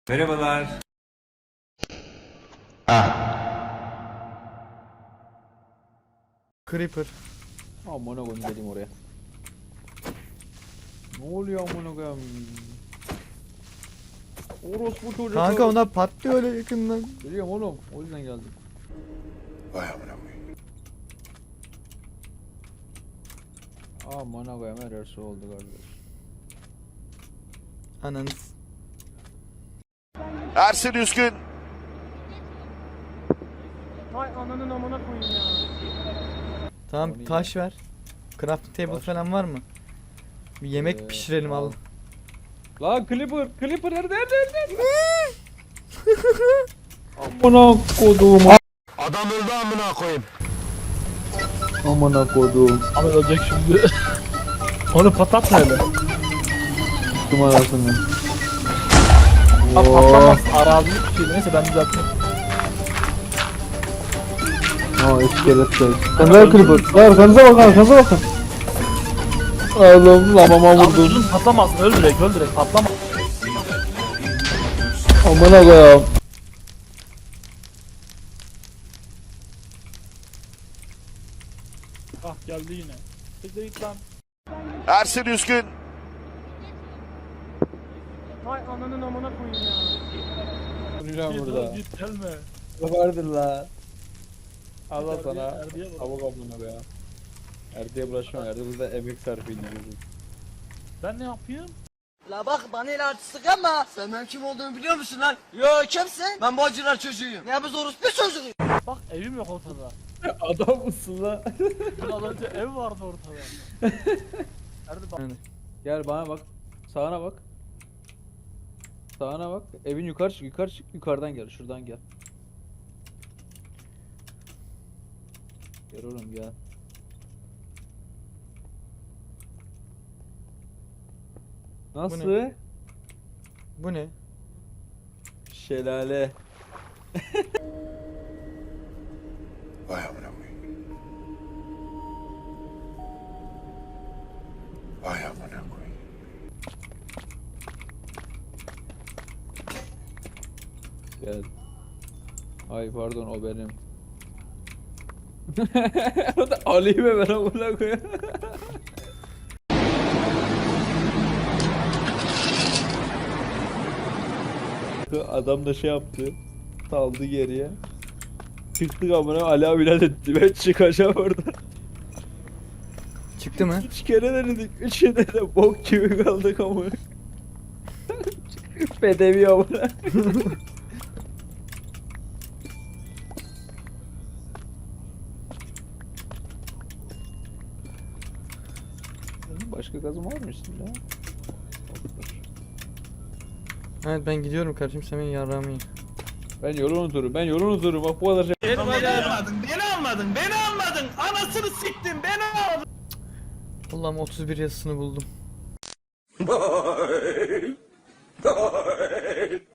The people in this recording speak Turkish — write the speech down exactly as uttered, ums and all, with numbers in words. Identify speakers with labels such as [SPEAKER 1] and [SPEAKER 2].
[SPEAKER 1] Merhabalar.
[SPEAKER 2] Creeper.
[SPEAKER 3] Amına koyayım geleyim oraya. Ne oluyor amına koyayım? Orospu çocuk.
[SPEAKER 2] Kanka onlar patlıyor öyle yakından.
[SPEAKER 3] Biliyorum oğlum. O yüzden geldim.
[SPEAKER 4] Vay amına koyayım.
[SPEAKER 3] Amına koyayım her şey oldu kardeş.
[SPEAKER 2] Ananız.
[SPEAKER 4] Ersin Üskün.
[SPEAKER 5] Hay ananın amına koyayım ya.
[SPEAKER 2] Tamam
[SPEAKER 3] O ne
[SPEAKER 2] taş ver. Crafting table
[SPEAKER 3] Taş.
[SPEAKER 2] falan var mı? Bir yemek
[SPEAKER 3] Ee,
[SPEAKER 2] pişirelim al.
[SPEAKER 3] al. Lan Clipper, Clipper nerede nerede nerede? Amına koduğum.
[SPEAKER 4] Adam öldü amına koyayım.
[SPEAKER 3] Amına koduğum.
[SPEAKER 5] Abi ölecek şimdi. Onu patlat hele.
[SPEAKER 3] Tuttum arasını.
[SPEAKER 5] Abi patlamaz. Arazilik bir şey. Neyse ben düzelttim.
[SPEAKER 3] Ha iskeletler. Sen ver Clipper. Ver arkanıza bakın arkanıza bakın. Oğlum lamama
[SPEAKER 5] Abi
[SPEAKER 3] vurdum.
[SPEAKER 5] uzun patlamaz. Öl direkt öl direkt patlama.
[SPEAKER 3] Amına koyayım.
[SPEAKER 5] Ah geldi yine. Siktir git lan.
[SPEAKER 4] Ersin Üskün.
[SPEAKER 5] Hay ananın amına koyayım ya.
[SPEAKER 3] Duracağım
[SPEAKER 5] Git
[SPEAKER 3] burada.
[SPEAKER 5] lan, git gelme.
[SPEAKER 3] Vardır la. Allah
[SPEAKER 5] Erdiye-
[SPEAKER 3] sana.
[SPEAKER 5] Erdiye bak.
[SPEAKER 3] Tavuk amına be ya. Erdiye bulaşma. Erdiye burada emek sarf ediyoruz.
[SPEAKER 5] Ben ne yapayım?
[SPEAKER 6] La bak bana el artistik ama sen benim kim olduğumu biliyor musun lan? Yo kimsin? Ben Bacılar çocuğuyum. Ne biz orospu çocuğuyum.
[SPEAKER 5] Bak evim yok ortada.
[SPEAKER 3] Adam mısın la?
[SPEAKER 5] Biraz önce ev vardı ortada. Erdi bak.
[SPEAKER 2] Yani.
[SPEAKER 3] Gel bana bak. Sağına bak. Sağına bak. Evin yukarı çık, yukarı çık, yukarıdan gel, şuradan gel. Gel oğlum gel. Nasıl?
[SPEAKER 2] Bu Bu ne?
[SPEAKER 3] Şelale.
[SPEAKER 4] Vay amına koyayım. Vay amına koyayım.
[SPEAKER 3] Gel. Ay pardon o benim. O da alayım hemen amına koyayım. Adam da şey yaptı. Saldı geriye. Çıktık amına Ali abiler etti. Ben çıkacağım oradan.
[SPEAKER 2] Çıktı mı?
[SPEAKER 3] Üç kere denedik. Üçünde de bok gibi kaldık amına. Bedevi amına. Başka gazım var mı üstünde?
[SPEAKER 2] Evet ben gidiyorum kardeşim sen beni yarrağımı ye.
[SPEAKER 3] Ben yolun unuturum. Ben yolun unuturum. Bak bu kadar şey.
[SPEAKER 5] Beni almadın, beni almadın, beni almadın. Anasını siktin, beni almadın.
[SPEAKER 2] Allah'ım otuz bir yazısını buldum.